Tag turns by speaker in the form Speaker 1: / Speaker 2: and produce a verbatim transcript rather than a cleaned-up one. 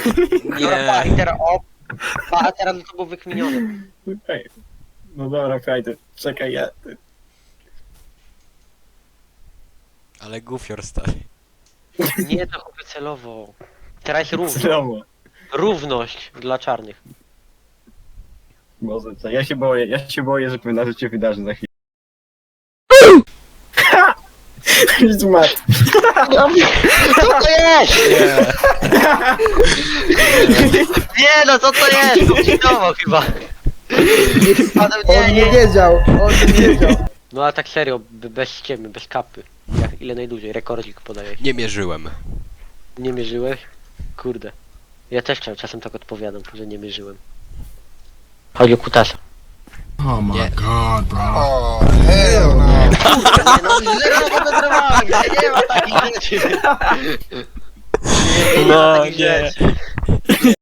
Speaker 1: Dobra, i teraz o... Pa, a teraz to był wykminiony.
Speaker 2: Ej. No dobra, Kajdy, czekaj, ja...
Speaker 3: Ale gufior stary.
Speaker 1: Nie, to chłopie celowo. Teraz równo.
Speaker 2: Znowu.
Speaker 1: Równość dla czarnych.
Speaker 2: Boże, co? Ja się boję, ja się boję, że pewna rzecz się wydarzy za chwilę. Zmarł.
Speaker 1: Co to jest? Nie no, co to jest? Ucinowo chyba. Panem, nie,
Speaker 4: On nie
Speaker 1: nie.
Speaker 4: wiedział, on nie wiedział.
Speaker 1: No ale tak serio, b- bez ściemy, bez kapy. Jak, ile najdłużej? Rekordzik podajesz.
Speaker 3: Nie mierzyłem.
Speaker 1: Nie mierzyłeś? Kurde. Ja też czas- czasem tak odpowiadam, że nie mierzyłem. Chodzi o kutasa.
Speaker 5: Oh my
Speaker 3: Nie.
Speaker 5: god, bro.
Speaker 6: Oh, hell no.
Speaker 1: Nie no, zero wodotrawami, nie ma takich rzeczy. Nie, nie ma
Speaker 3: No,
Speaker 1: takich
Speaker 3: nie.
Speaker 1: rzeczy.